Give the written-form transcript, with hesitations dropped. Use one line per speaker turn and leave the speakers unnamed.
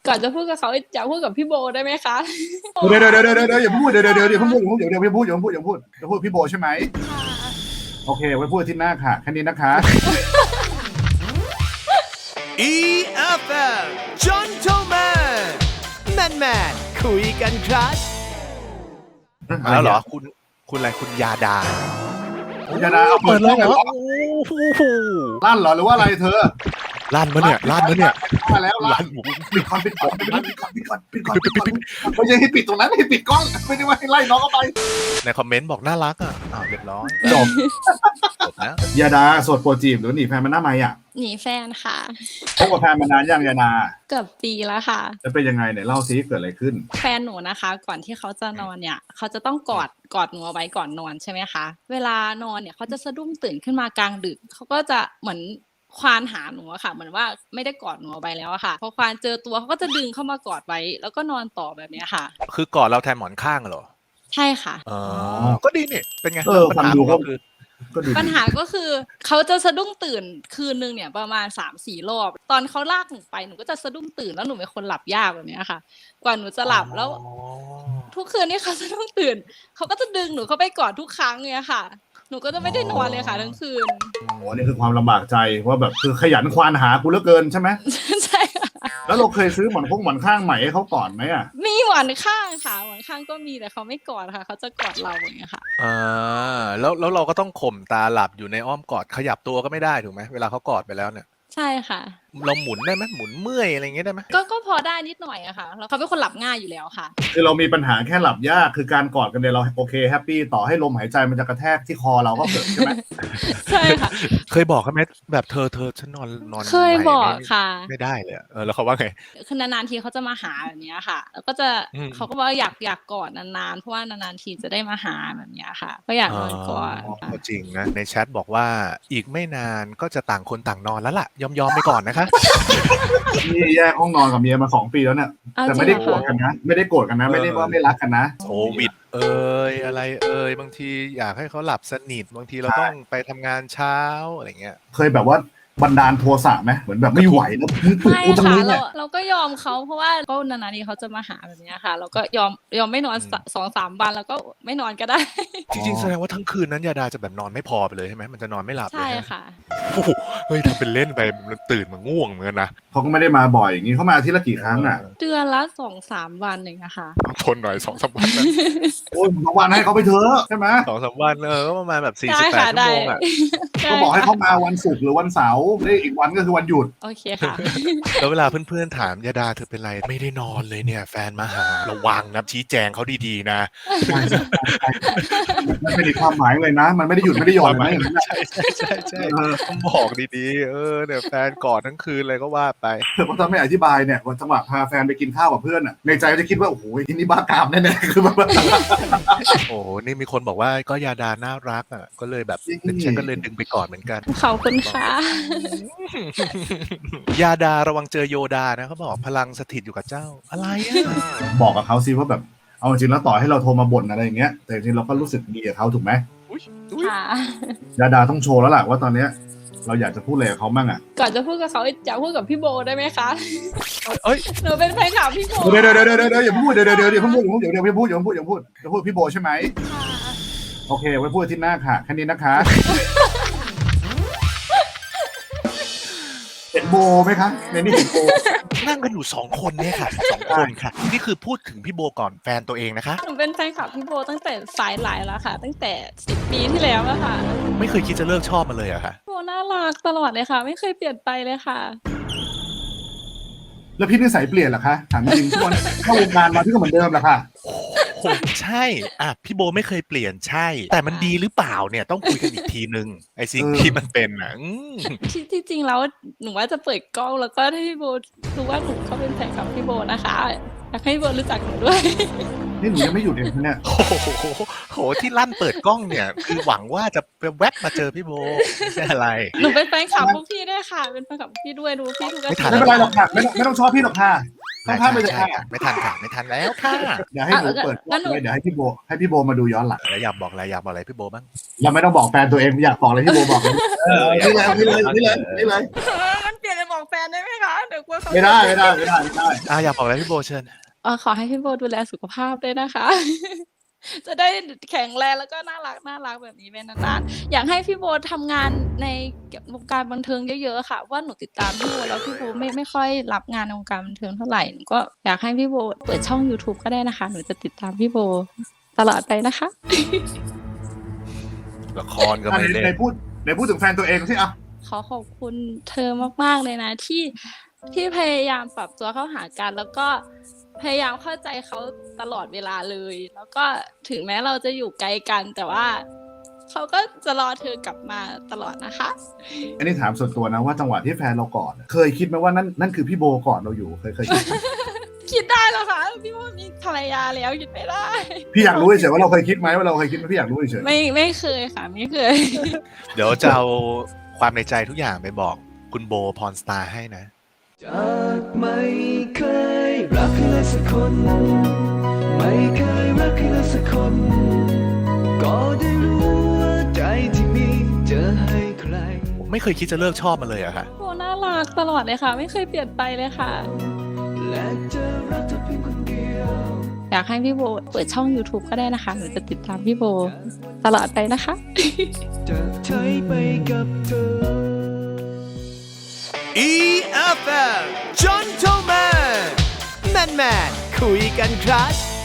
ก่อนจะพูดกับเขาอยากพูดกับพี่โบได้ไหมคะ
เดี๋ยวอย่าพูดเดี๋ยวพูดพี่โบใช่ไหมโอเคไว้พูดที่หน้าค่ะแค่นี้นะคะ
EFM Gentleman Man คุยกันครับแล้วเหรอคุณอะไรคุณยาดา
เอาเปิดเลยเหรอ
โอ้โห
ลั่นเหรอหรือว่าอะไรเธอ
ลั่นมะเนี่ย
มาแล้วลั่นปิดก่อนไม่ใช่ให้ปิดตรงนั้นให้ปิดกล้องไม่ได้ว่าให้ไล่น้องเข้าไป
ในคอมเมนต์บอกน่ารักอ่ะเรียบร้อยจบนะ
ยาดาโสดโปรจีบหรือหนีแฟนมันหน้าไม้อ่ะ
หนีแฟนค่ะ
พบกับแฟนมานานยังยาดา
เกือบปีแล้วค่ะ
จะเป็นยังไงเนี่ยเล่าซิเกิดอะไรขึ้น
แฟนหนูนะคะก่อนที่เขาจะนอนเนี่ยเขาจะต้องกอดหนูเอาไว้ก่อนนอนใช่ไหมคะเวลานอนเนี่ยเขาจะสะดุ้งตื่นขึ้นมากลางดึกเขาก็จะเหมือนควานหาหนูอะค่ะเหมือนว่าไม่ได้กอดหนูเอาไว้แล้วอะค่ะพอควานเจอตัวเขาก็จะดึงเข้ามากอดไว้แล้วก็นอนต่อแบบนี้ค่ะ
คือกอดเราแทนหมอนข้างเหรอ
ใช่ค่ะ
ก็ดีนี่เป็นไง
ปัญหา
ปัญหาก็คือเขาจะสะดุ้งตื่นคืนนึงเนี่ยประมาณ 3-4 รอบตอนเขาลากหนูไปหนูก็จะสะดุ้งตื่นแล้วหนูเป็นคนหลับยากแบบนี้ค่ะกว่าหนูจะหลับแล้วทุกคืนที่เขาสะดุ้งตื่นเขาก็จะดึงหนูเข้าไปกอดทุกครั้งเนี่ยค่ะหนูก็จะไม่ได้นอนเลยค่ะทั้งคืน
โอ้นี่คือความลำบากใจว่าแบบคือขยันควานหากูเหลือเกินใช่ไหม
ใช่
แล้วเราเคยซื้อหมอนข้างใหม่ให้เขาก่อนไหมอ่ะ
มีหมอนข้างค่ะหมอนข้างก็มีแต่เขาไม่กอดค่ะเขาจะกอดเราอย่างเงี้ยค่ะ
แล้วเราก็ต้องข่มตาหลับอยู่ในอ้อมกอดขยับตัวก็ไม่ได้ถูกไหมเวลาเขากอดไปแล้วเนี่ย
ใช่ค่ะ
เราหมุนได้ไหมหมุนเมื่อยอะไรเงี้ยได้ไหม
ก็พอได้นิดหน่อยอะค่ะแล้วเขาเป็นคนหลับง่ายอยู่แล้วค่ะ
คือเรามีปัญหาแค่หลับยากคือการกอดกันเนี่ยเราโอเคแฮปปี้ต่อให้ลมหายใจมันจะกระแทกที่คอเราก็เกิดใช่ไหม
ใช่ค่ะ
เคยบอกเขาไหมแบบเธอฉันนอน
เคยบอกค่ะ
ไม่ได้เลยแล้วเขาว่าไง
คือนานๆทีเขาจะมาหาแบบนี้ค่ะแล้วก็จะเขาก็บอกอยากกอดนานๆเพราะว่านานๆทีจะได้มาหาแบบนี้ค่ะก็อยากนอนกอด
จริงนะในแชทบอกว่าอีกไม่นานก็จะต่างคนต่างนอนแล้วล่ะยอมไปก่อนนะคะ
นี่แยกห้องนอนกับเมียมา2 ปีแล้วเนี่ยแต่ไม่ได้โกรธกันนะไม่ได้ว่าไม่รักกันนะ
โควิดอะไรบางทีอยากให้เขาหลับสนิทบางทีเราต้องไปทำงานเช้าอะไรเงี้ย
เคยแบบว่าบันดาลโทสะไหมเหมือนแบบไม่ไหวแล้ว
ไม่ค่ะเราก็ยอมเขาเพราะว่าก็นานๆทีเขาจะมาหาแบบนี้ค่ะเราก็ยอมไม่นอน2-3 วันแล้วก็ไม่นอนก็ได้
จริงๆแสดงว่าทั้งคืนนั้นยาดาจะแบบนอนไม่พอไปเลยใช่ไหมมันจะนอนไม่หลับเลย
ใช่ค่ะ
เฮ้ยทำเป็นเล่นไปมันตื่นมาง่วงเหมือนกันนะ
เขาก็ไม่ได้มาบ่อยอย่างนี้เขามาอาทิตย์ละกี่ครั้งอ่ะ
เดือนละ 2-3 วันเองนะคะ
ทนหน่อย 2-3 วันนะ
โอ้ย2 วันให้เขาไปเถอะใช่ไหม
2-3 วันก็ประมาณแบบ48 ชั่วโมงอ่ะ
ก็บอกให้เขามาวันศุกร์หรือวันเสาร์ได้อีกวันก็คือวันหยุด
โอเคค่ะ
แล้วเวลาเพื่อนๆถามยาดาเธอเป็นไรไม่ได้นอนเลยเนี่ยแฟนมาหาระวังนะชี้แจงเขาดีๆนะ
มันไม่ได้ความหมายเลยนะมันไม่ได้หยุดไม่ได้หย่อนนะ
ใช่ต้องบอกดีๆเนี่ยแฟนกอดทั้งคืนเลยก็ว่าไป
แต่พอถ้าไม่อธิบายเนี่ยวันจังหวะพาแฟนไปกินข้าวกับเพื่อนอ่ะในใจจะคิดว่าโอ้โหที่นี่บ้ากามแน่ๆคือแบบ
โอ้นี่มีคนบอกว่าก็ยาดาน่ารักอ่ะก็เลยแบบฉันก็เลยดึงไปกอดเหมือนกัน
ขอบคุณค่ะ
ยาดาระวังเจอโยดานะเขาบอกพลังสถิตอยู่กับเจ้าอะไรอ่ะ
บอกกับเขาสิว่าแบบเอาจริงแล้วต่อให้เราโทรมาบ่นอะไรอย่างเงี้ยแต่จริงเราก็รู้สึกดีกับเขาถูกไหม
ค่ะ
ยาดาต้องโชว์แล้วล่ะว่าตอนเนี้ยเราอยากจะพูดอะไรกับเขาบ้างอ่ะ
ก่อนจะพูดกับเขาอยากพูดกับพี่โบได้ไหมคะหนูเป็นแฟนคลับพี่โบ
เดี๋ยวอย่าพูดเดี๋ยวพูดพี่โบใช่ไหมโอเคไว้พูดที่หน้าค่ะแค่นี้นะคะเห็นโบไหมคะในนี้เห็นโบ
นั่งกันอยู่2 คนเนี่ยค่ะ2 คนค่ะนี่คือพูดถึงพี่โบก่อนแฟนตัวเองนะคะ
หนูเป็นแฟนคลับพี่โบตั้งแต่สายหลายแล้วค่ะตั้งแต่10 ปีที่แล้วแล้วค่ะ
ไม่เคยคิดจะเลิกชอบมาเลยอะค่ะ
โบน่ารักตลอดเลยค่ะไม่เคยเปลี่ยนไปเลยค่ะ
แล้วพี่นิสัยเปลี่ยนเหรอคะถามจริงทุกคนเข้าวงการมาพี่ก็เหมือนเดิมแหละค่ะ
ใช่พี่โบไม่เคยเปลี่ยนใช่แต่มันดีหรือเปล่าเนี่ยต้องคุยกันอีกทีนึงไอ้สิ่งที่มันเป็น
ที่จริงแล้วหนูว่าจะเปิดกล้องแล้วก็ให้พี่โบรู้ว่าหนูก็เป็นแฟนคลับพี่โบนะคะอยากให้พี่โบรู้จักหนูด้วย
นี่หนูยังไม่หยุดเลยเนี่ย
โหที่ลั่นเปิดกล้องเนี่ยคือหวังว่าจะแวบมาเจอพี่โบไม่ใช่อะไร
หนูเป็นแฟนคลับพวกพี่ด้วยค่ะเป็นแฟนคลับพี่ด้วยดูพี่ทุก
อาทิตย์ไม่เป็นไรหรอกค่ะไม่ต้องชอบพี่หรอกค่ะต้องพลาดไปเลยค่ะ
ไม่ทันแล้วค่ะ
เดี๋ยวให้หนูเปิดเดี๋ยวให้พี่โบมาดูย้อนหลัง
แล้วอยากบอกอะไรพี่โบบ้าง
เราไม่ต้องบอกแฟนตัวเองอยากบอกอะไรพี่โบบอกเลยนี่เลย
มันเปลี่ยนไปบอกแฟนได้ไหมคะเดี๋ยวกลัวเขา
ไม่ได้
อยากบอกอะไรพี่โบเชิญ
ขอให้พี่โบดูแลสุขภาพด้วยนะคะ จะได้แข็งแรงแล้วก็น่ารักแบบนี้ไปนานๆอยากให้พี่โบทำงานในวงการบันเทิงเยอะๆค่ะว่าหนูติดตามพี่โบแล้วพี่โบไม่ค่อยรับงานในวงการบันเทิงเท่าไหร่หนูก็อยากให้พี่โบเปิดช่อง YouTube ก็ได้นะคะหนูจะติดตามพี่โบตลอดไปนะคะ
ละครก็ไม่เล่น
ไหนพูดถึงแฟนตัวเองสิอ่ะ
ขอขอบคุณเธอมากๆเลยนะที่พยายามปรับตัวเข้าหากันแล้วก็พยายามเข้าใจเขาตลอดเวลาเลย แล้วก็ถึงแม้เราจะอยู่ไกลกัน แต่ว่าเขาก็จะรอเธอกลับมาตลอดนะคะ
อันนี้ถามส่วนตัวนะว่าจังหวะที่แฟนเรากอดเคยคิดไหมว่านั่นคือพี่โบกอดเราอยู่เคยคิดไหม
คิดได้เหรอคะพี่โบมีภรรยาแล้วคิดไม่ได้
พี่อยากรู้เฉยๆว่าเราเคยคิดไหมว่าเราเคยคิดไหมพี่อยากรู้เฉย
ไม่เคยค่ะไม่เคย
เดี๋ยวจะเอาความในใจทุกอย่างไปบอกคุณโบพรสตาร์ให้นะ
จากไม่เคยรักเลยสักคน ไม่เคยรักเลยสักคน ก็ได้รู้ว่าใจที่มีจะให้ใคร
ไม่เคยคิดจะเลิกชอบมันเลยอะค่ะ
โบน่ารักตลอดเลยค่ะ ไม่เคยเปลี่ยนไปเลยค่ะ
และจะรักเธอเพียงคนเดียว
อยากให้พี่โบเปิดช่อง YouTube ก็ได้นะคะหนูจะติดตามพี่โบตลอดไปนะคะ
จะใช้ไปกับเธอ
EFM Gentleman Man คุยกันครับ